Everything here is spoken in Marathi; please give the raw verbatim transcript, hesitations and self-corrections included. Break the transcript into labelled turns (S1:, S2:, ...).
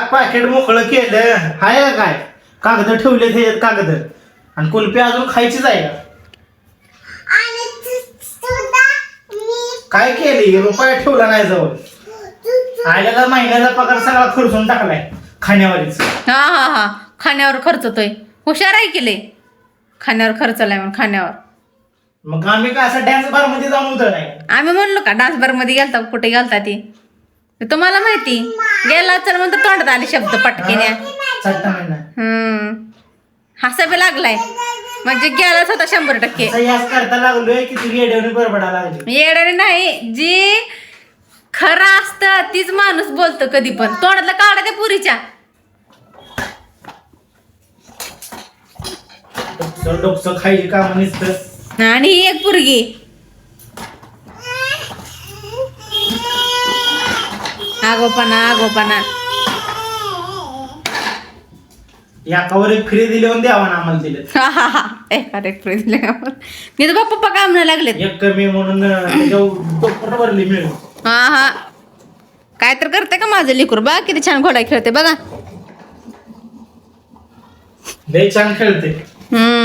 S1: पाकिट मोकळं केलं हाय का काय कागद ठेवले ते कागद आणि कुल्फी अजून खायचीच आहे का काय केली रुपया ठेवला नाही जवळ आयला महिन्याचा पगार सगळा खर्चून टाकलाय खाण्यावरच.
S2: हा हा हा खाण्यावर खर्चतोय. हुशार आहे की लय खाण्यावर खर्चलाय म्हणून खाण्यावर.
S1: मग आम्ही काय असं डान्स बार मध्ये जाऊन उतर नाही
S2: आम्ही म्हणलो का डान्स बार मध्ये गेलता कुठे गेलता ती तुम्हाला माहिती गेला चल म्हणतो तोंडात आले शब्द पटकीने.
S1: चट्टा महिना
S2: हम्म हसा बी लागलाय म्हणजे गेलाच होता शंभर टक्के.
S1: याच करता लागलोय की तुझी येड्यावणी बरबडा लागली.
S2: येणारे नाही जी खरं असतं तीच माणूस बोलतो कधी पण. तोंडातलं काढा त्या पुरीच्या
S1: डोकं खायची काम नसतं.
S2: आणि ही एक पुरगी आगोपणा आगोपणा
S1: याकावर एक फ्री दिली होऊन द्यावा ना आम्हाला दिले.
S2: हा हा हा एका रेट दिले मी तर बाप्पा पप्पा काम नाही लागलेत.
S1: एक कमी म्हणून त्याच्यावर भरली मिळून.
S2: हा हा काय तर करते का माझं लिकूर बा किती छान घोडा खेळते बघा.
S1: लय छान खेळते.
S2: हम्म